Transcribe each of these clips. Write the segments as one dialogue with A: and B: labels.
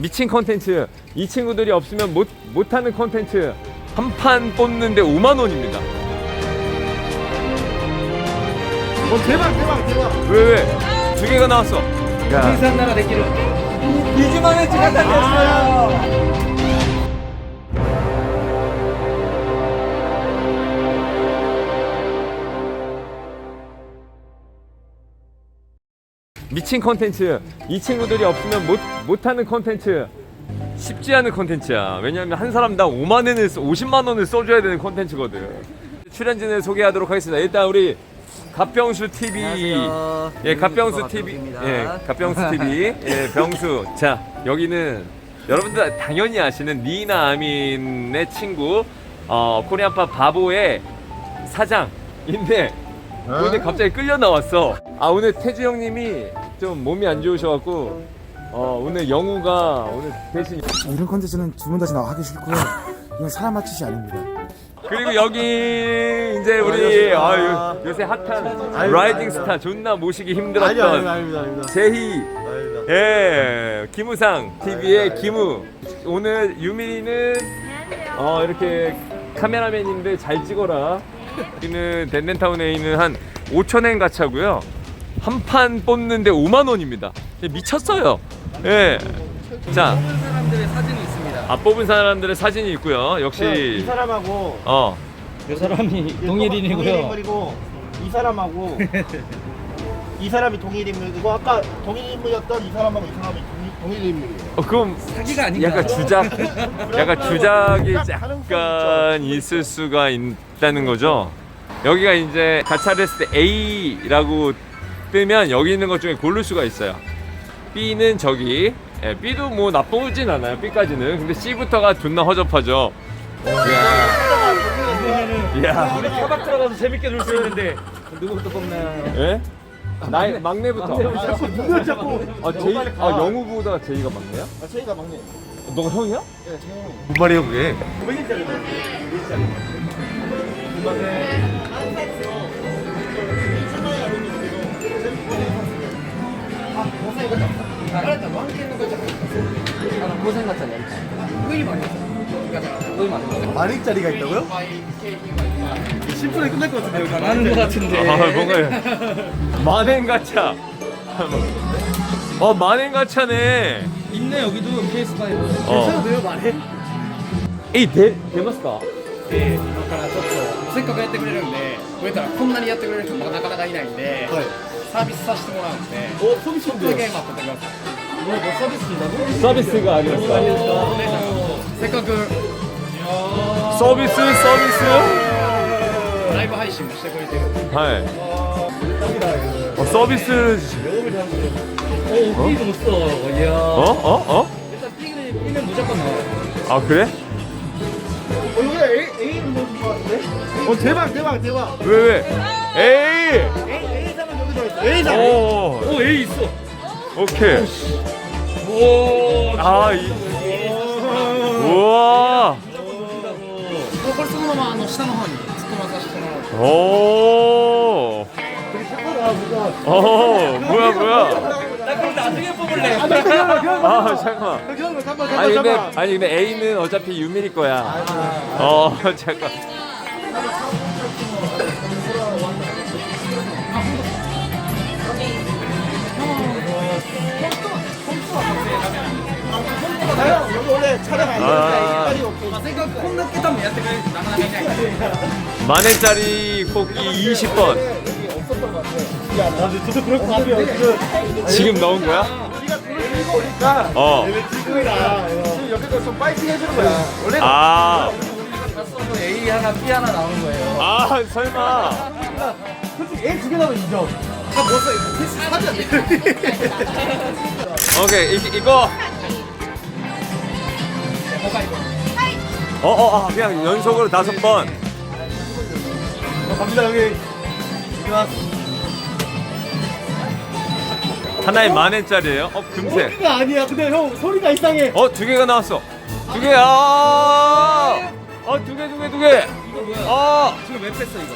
A: 미친 컨텐츠. 이 친구들이 없으면 못하는 컨텐츠. 한 판 뽑는데 5만원입니다.
B: 대박.
A: 왜? 두 개가 나왔어. 야.
C: 생산 나라 되기를 20만원치 갖다 냈어요.
A: 미친 컨텐츠. 이 친구들이 없으면 못하는 컨텐츠. 쉽지 않은 컨텐츠야. 왜냐면 한 사람당 50만원을 써줘야 되는 컨텐츠거든. 출연진을 소개하도록 하겠습니다. 일단 우리 갓병수 TV.
C: 안녕하세요.
A: 예, 갓병수 TV. 예, 갓병수 TV. 예, 병수. 자, 여기는 여러분들 당연히 아시는 니나 아민의 친구, 코리안팝 바보의 사장인데 오늘 갑자기 끌려 나왔어. 오늘 태주 형님이 좀 몸이 안 좋으셔갖고 오늘 영우가 오늘 대신.
B: 이런 컨텐츠는 두 번 다시 나와 하기 싫고요. 이건 사람 맞추시 아닙니다.
A: 그리고 여기 이제 우리 요새 핫한 라이딩 스타 존나 모시기 힘들었던
B: 아닙니다.
A: 제희, 예, 김우상 TV의 김우. 오늘 유민이는 이렇게 카메라맨인데 잘 찍어라. 여기는 덴덴타운에 있는 한 5,000엔 가차고요. 한 판 뽑는데 5만원입니다. 미쳤어요. 예. 자,
C: 뽑은 사람들의 사진이 있습니다.
A: 뽑은 사람들의 사진이 있고요. 역시
D: 이 사람하고
C: 이 사람이 동일 인물이고요.
D: 인물이고 이 사람하고 이 사람이 동일 인물이고 아까 동일 인물이었던 이 사람하고 이 사람이 동일 인물이에요.
A: 그럼
C: 사기가 아닌가?
A: 약간 주작이 약간 있을 수가 있다는 거죠. 여기가 이제 가차를 했을 때 A라고 뜨면 여기 있는 것 중에 고를 수가 있어요. B는 저기, 예, B도 뭐 나쁘진 않아요. B까지는. 근데 C부터가 존나 허접하죠. 이야.
C: 우리 차박 들어가서 재밌게 놀 수 있는데 누구부터 뽑나요?
A: 예? 나이 막내부터.
D: 자꾸
A: 제이, 영우보다 제이가 막내야?
D: 저희가 막내.
A: 너가 형이야?
D: 네, 제 형.
A: 뭔 말이야 그게?
D: 500일짜리.
C: 고생 같잖아요. 거의 많이 했어. 거의 많이 했어.
D: 만일짜리가 있다고요? 10분에 끝날 것 같은데 여기.
C: 많은 것 같은데.
A: 뭔가 만행 가차. 만행 가차네.
C: 있네 여기도 PS5.
D: 괜찮아도 돼요 말해?
A: 에이出ますか?
E: でだからちょっとせっかくやってくれるんでこれからこんなにやってくれる人もなかなかいないんで、
D: はい。
E: サービスさせてもらうんで
D: お、ソビス
E: ちょっとだけ待っててください
A: 서비스가 아니었어.
E: せっかく
A: 서비스.
E: ライブ配信もしてくれてるんで
A: 하이. 서비스.
C: B도 없어. 이야. 일단 B는 무조건 나와요.
A: 그래?
D: 여기가 A는 너무 좋은 것 같은데? 대박.
A: 왜? 에이.
D: A 사람 여기 들어있어. A 사람.
A: 오.
C: A 있어.
A: 오케이.
C: 오.
A: 우와.
E: これそのまま下の方に突っ込まさせてもらう
A: 오. 뭐야.
C: 나 그럼 나중에 뽑을래.
A: 잠깐만. 아니 근데 A는 어차피 유밀이 거야. 잠깐.
D: 여기 원래 촬영 안 되는데 이빨이 없고.
E: せっかくこんなけたもやってくれる人なかなかいないんで
A: 만엔짜리 뽑기 20번.
D: 여기 없었던 것 같아. 야, 나 진짜 그럴 것 같아요.
A: 지금 넣은 거야?
D: 우리가 돈을 들고 오니까 지금이다. 지금 여기서 좀 파이팅 해주는 거야. 원래
C: 다 써도 A 하나 B 하나 나오는 거예요.
A: 설마.
D: 솔직히 A 2개 나면 인정. 다 먹었어. 이거 패스 사지 않네.
A: 오케이 이거. 그냥 연속으로 5번.
D: 갑니다 여기.
A: 하나에 10,000엔짜리예요? 금세.
D: 소리가 아니야. 근데 형 소리가 이상해.
A: 2개가 나왔어. 2개야. 2개.
C: 이거 뭐야? 지금 왜 뺐어 이거?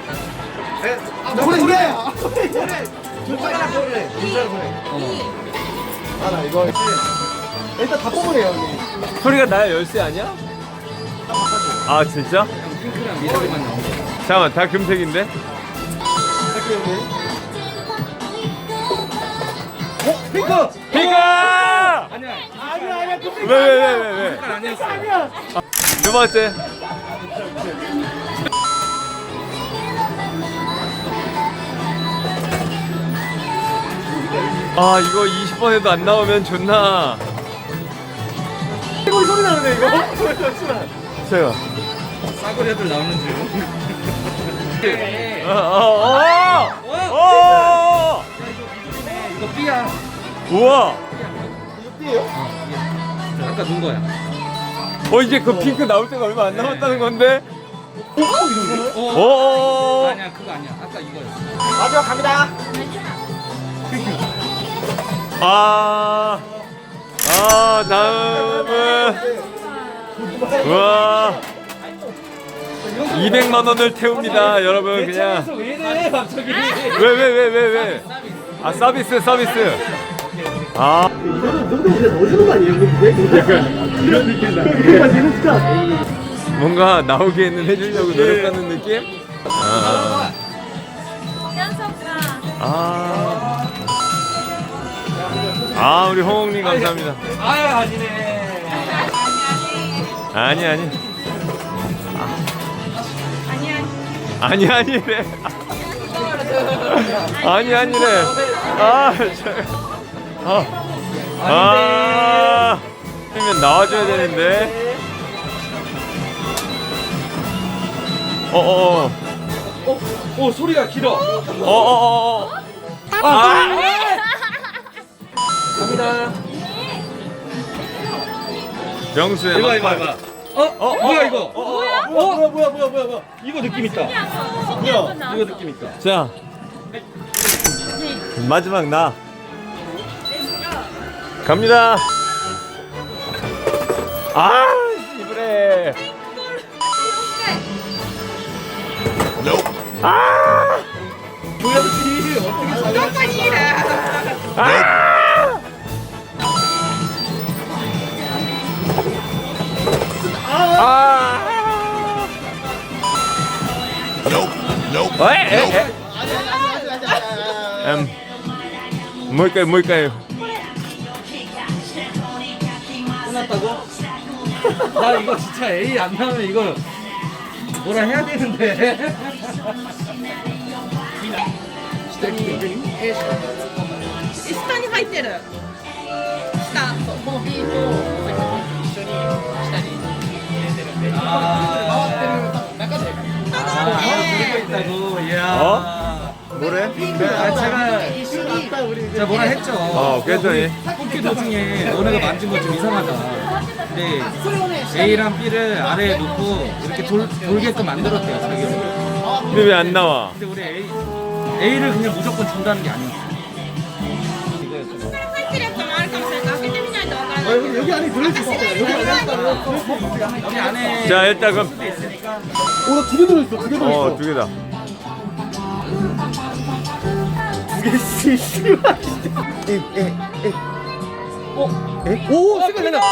D: 노래야. 노래. 진짜라 노래. 진짜라 노래. 나 이거. 일단 다 뽑으래요 여기.
A: 소리가 나야 열쇠 아니야? 아 진짜?
E: 핑크랑 미러리만 나오고.
A: 잠깐만 다 금색인데?
D: 할게요 여기. 핑크!
A: 핑크!
E: 아니야.
D: 아니야 그 핑크
A: 왜?
E: 색깔 아니었어.
D: 아니야.
A: 두 번째. 아 이거 20번에도 안 나오면 좋나?
D: 이거 소리 나는데 이거? 잠시만.
A: 제가.
E: 싸구려 애들 나오는 줄. 이거 B야.
A: 우와.
D: 이거 띠예요?
E: 아까 눈 거야.
A: 이제 그 핑크 나올 때가 얼마 안 남았다는 건데?
E: 아니야 그거 아니야. 아까 이거였어.
D: 마지막 갑니다.
A: 다음은 우와 200만 원을 태웁니다 여러분 그냥
E: 왜 이래 갑자기?
A: 왜 아 서비스 아
D: 이거는 우리가 넣어주는 거 아니에요? 이런 느낌 나. 이거 진짜.
A: 뭔가 나오게는 해주려고 노력하는 느낌? 우리 홍홍님 감사합니다
E: 아니네.
A: 아니래 아니래 그러면 나와줘야 되는데
E: 오 소리가 길어. 갑니다.
A: 명수의
E: 이거
A: 막판.
E: 뭐야 이거?
D: 뭐야.
E: 이거 느낌 있다. 이거 느낌 있다.
A: 자 마지막 나 갑니다. 이브레.
E: 뭐야지 어떻게
A: 뭘까요?
E: 끝났다고? 나 이거 진짜 A 안 나오면 이거 뭐라 해야 되는데.
F: 下に入ってる下このビートを一緒に下に入れてるんで回ってる中で
E: 들고 있다고. 이야.
A: 뭐래?
E: 제가 뭐라 했죠.
A: 그랬더니
E: 뽑기 도중에 너네가 만진 거 좀 이상하다. 근데 A랑 B를 아래에 놓고 이렇게 돌게끔 만들었대요 자기가.
A: 근데 왜 안 나와?
E: 근데 우리 A를 그냥 무조건 준다는 게 아니야.
F: 入ってるやつもあるかもしれない開けてみないとわからないけど
D: 여기 안에 들어있어.
E: 여기 안에
A: 자 일단 그럼
D: 두개 들어있어. 두 개 들어있어.
A: 두 개다.
D: 씨, 씨발. 오, 색깔 난다.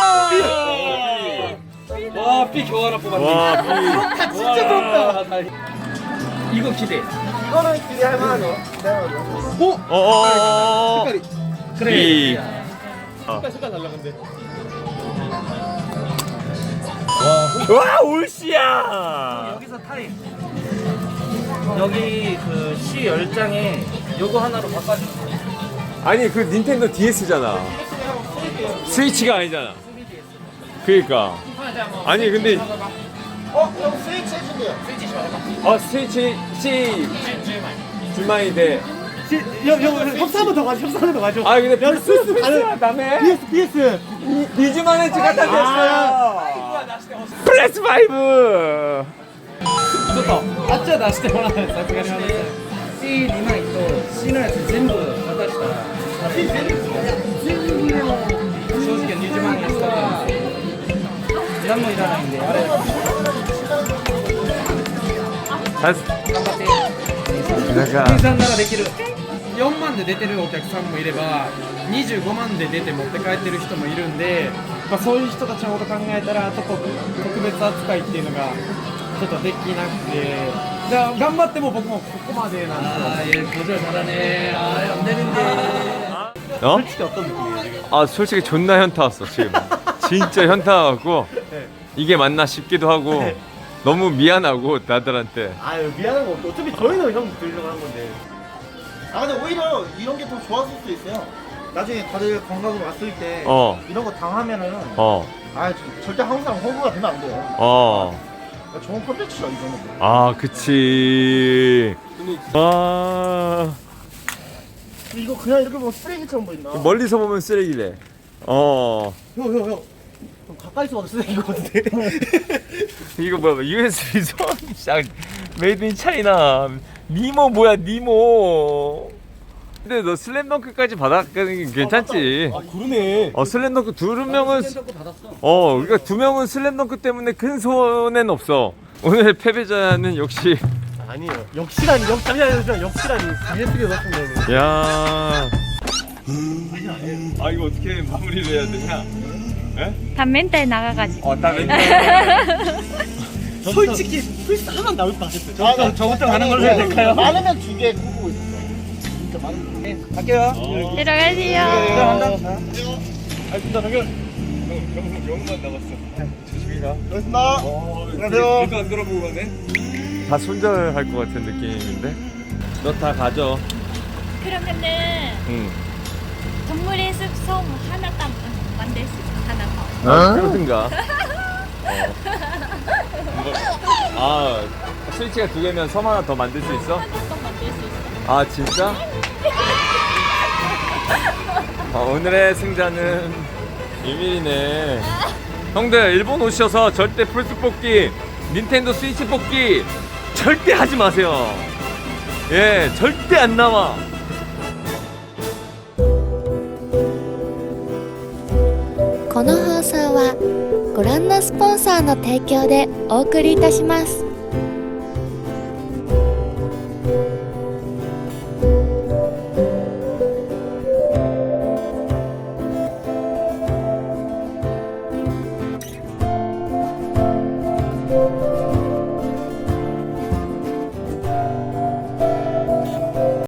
E: 와 B 겨우 하나 뽑았네.
A: 와
D: 아, 진짜 부럽다.
E: 이거 기대.
D: 이거는 기대할 만하죠. 색깔이.
E: 그래.
A: B.
D: 색깔 달라 근데.
A: 와 올시야.
E: 여기서 타임. 여기 그 C 10장에 요거 하나로 바꿔주세요.
A: 아니 그 닌텐도 DS잖아. 스위치가 아니잖아. 그러니까. 아니 근데
D: 형 스위치 해준대요.
A: 스위치 C 줄만이 돼.
D: 협사 한번 더 가죠. 협사 한번 더 가죠.
A: 근데 플스 다음에
D: PS.
A: 리즈만의 주가 다 됐어요. 플스 5.
E: ちょっとあっちは出してもらわないとさすがに話せない C2 枚と C のやつ全部渡したら正直20万円使ったんですよ何もいらないんであれ頑張って計算ならできるよ
G: 4万で出てるお客さんもいれば25万で出て持って帰ってる人もいるんで、まあ、そういう人たちのこと考えたらちょっと特別扱いっていうのがちょっとできなくて、じゃあ頑張っても僕もここまでなんですよ。
C: 고절 잘하네. 아, 안 되는데.
A: 어?
D: 솔직히 어떤 느낌이에요 지금?
A: 아 솔직히 존나 현타 왔어 지금. 진짜 현타 왔고
D: 네.
A: 이게 맞나 싶기도 하고
D: 네.
A: 너무 미안하고 나들한테.
D: 아유 미안한 거 없어. 어차피 저희는 형 들으려고 한 건데. 아 근데 오히려 이런 게 더 좋았을 수도 있어요. 나중에 다들 관광으로 왔을 때 이런 거 당하면은 절대 한국 사람 호구가 되면 안 돼요. 좋은 콘텐츠죠 이거는.
A: 아 그치. 아
D: 이거 그냥 이렇게 보면 쓰레기처럼 보인다.
A: 멀리서 보면 쓰레기래.
D: 형. 좀 가까이서 봐도 쓰레기인 것 같은데.
A: 이거 뭐야? USB 손 메이드 인 차이나. 니모 뭐야 니모. 근데 너 슬램덩크까지 받았는 게 괜찮지.
D: 아 그러네.
A: 슬램덩크 두 명은
C: 받았어.
A: 그러니까 두 명은 슬램덩크 때문에 큰 손해는 없어. 오늘 패배자는 역시.
D: 아니에요. 역시라니 역시라니. 예술이 같은 거는.
A: 야. 아 이거 어떻게 마무리를 해야 되냐? 에?
H: 다 멘탈 나가가지고.
A: 다 멘탈.
D: 솔직히 플스 하나 나올 것 같았어요. 저부터 가는 걸로 해야 될까요? 많으면 2개 꾸고 있어. 진짜 많으면. 네, 갈게요.
H: 들어가세요.
A: 아 진짜 당연. 영만 남았어. 조심히 가.
D: 고맙습니다. 안녕하세요.
A: 길도 안 돌아보고 가네. 다 손절할 것 같은 느낌인데. 너 다 가져.
H: 그러면은
A: 응.
H: 동물의 숲섬 하나 딱 만들 수 있어. 하나 더.
A: 그러든가. 스위치가 2개면 섬 하나 더 만들 수 있어?
H: 하나 더 만들 수 있어.
A: 아 진짜? 오늘의 승자는 유민이네. 형들 일본 오셔서 절대 플스 뽑기, 닌텐도 스위치 뽑기 절대 하지 마세요. 예, 절대 안 나와.
I: この放送はご覧のスポンサーの提供でお送りいたします。